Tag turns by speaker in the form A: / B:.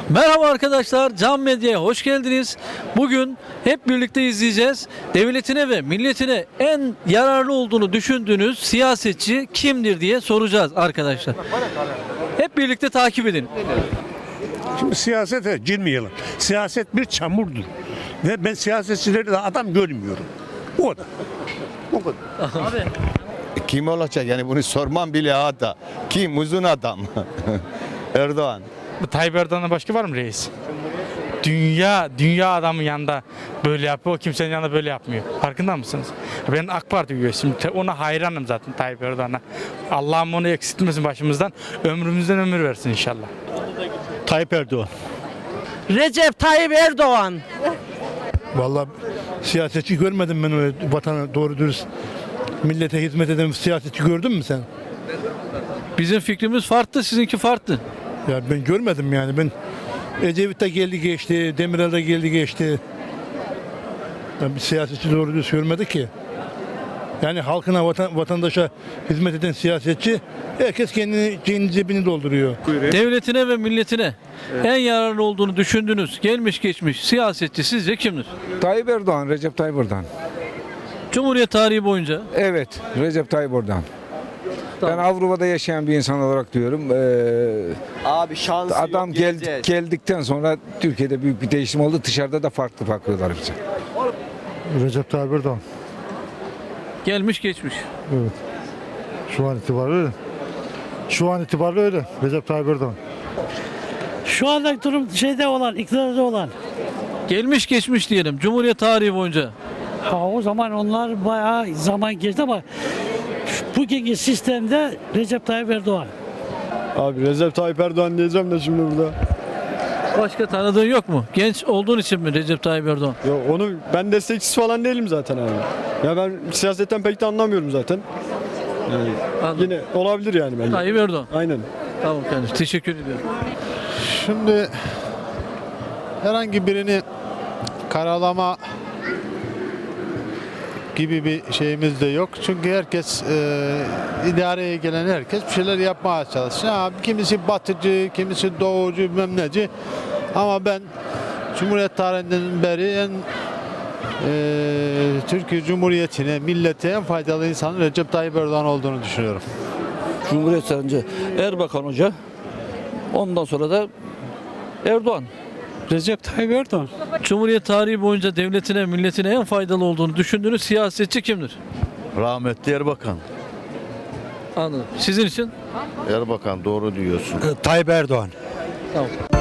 A: Merhaba arkadaşlar, Can Medya'ya hoş geldiniz. Bugün hep birlikte izleyeceğiz. Devletine ve milletine en yararlı olduğunu düşündüğünüz siyasetçi kimdir diye soracağız arkadaşlar. Hep birlikte takip edin.
B: Şimdi siyasete girmeyelim. Siyaset bir çamurdur. Ve ben siyasetçileri de adam görmüyorum. O kadar. O kadar.
A: Abi,
C: Kim olacak yani bunu sormam bile hata. Kim uzun adam? Erdoğan.
D: Tayyip Erdoğan'dan başka var mı reis? Dünya adamın yanında böyle yapıyor, o kimsenin yanında böyle yapmıyor. Farkında mısınız? Ben AK Parti üyesiyim. Ona hayranım zaten Tayyip Erdoğan'a. Allah'ım onu eksiltmesin başımızdan. Ömrümüzden ömür versin inşallah.
B: Tayyip Erdoğan.
E: Recep Tayyip Erdoğan.
F: Vallahi siyasetçi görmedim ben öyle vatana doğru dürüst millete hizmet eden bir siyasetçi gördün mü sen?
A: bizim fikrimiz farklı, sizinki farklı.
F: Ya ben görmedim yani ben Ecevit de geldi geçti, Demirel de geldi geçti. Ya bir siyasetçi doğru dürüst görmedi ki. Yani halkına, vatandaşa hizmet eden siyasetçi herkes kendi cebini dolduruyor.
A: Devletine ve milletine en yararlı olduğunu düşündüğünüz gelmiş geçmiş siyasetçi sizce kimdir?
G: Tayyip Erdoğan, Recep Tayyip Erdoğan.
A: Cumhuriyet tarihi boyunca
G: Evet, Recep Tayyip Erdoğan. Ben Avrupa'da yaşayan bir insan olarak diyorum.
H: Abi şansı
G: Adam
H: yok, geleceğiz.
G: geldikten sonra Türkiye'de büyük bir değişim oldu. Dışarıda da farklı bakıyorlar bize.
F: Recep Tayyip Erdoğan.
A: gelmiş geçmiş.
F: Şu an itibariyle öyle. Şu an itibariyle öyle. Recep Tayyip Erdoğan.
E: Şu anda durum iktidarda olan.
A: Gelmiş geçmiş diyelim Cumhuriyet tarihi boyunca.
E: Ha, o zaman onlar bayağı zaman geçti ama bugünkü sistemde Recep Tayyip Erdoğan.
I: Abi Recep Tayyip Erdoğan diyeceğim de şimdi burada.
A: Başka tanıdığın yok mu? Genç olduğun için mi Recep Tayyip Erdoğan?
I: Yok onu ben destekçisi falan değilim zaten abi. Ya ben siyasetten pek de anlamıyorum zaten. Yani
A: Anladım.
I: yine olabilir yani bence.
A: Tayyip Erdoğan.
I: Aynen.
A: Tamam kardeşim, teşekkür ediyorum.
J: Şimdi herhangi birini karalama gibi bir şeyimiz de yok. Çünkü herkes idareye gelen herkes bir şeyler yapmaya çalışıyor. Ha, kimisi batıcı, kimisi doğucu, bilmem neci. Ama ben Cumhuriyet tarihinden beri Türkiye Cumhuriyeti'ne, millete en faydalı insanın Recep Tayyip Erdoğan olduğunu düşünüyorum.
K: Cumhuriyet önce Erbakan Hoca, ondan sonra da Erdoğan.
E: Recep Tayyip Erdoğan.
A: Cumhuriyet tarihi boyunca devletine, milletine en faydalı olduğunu düşündüğünüz siyasetçi kimdir?
C: Rahmetli Erbakan.
A: Anladım. Sizin için?
C: Erbakan doğru diyorsun.
F: Tayyip Erdoğan.
A: Tamam.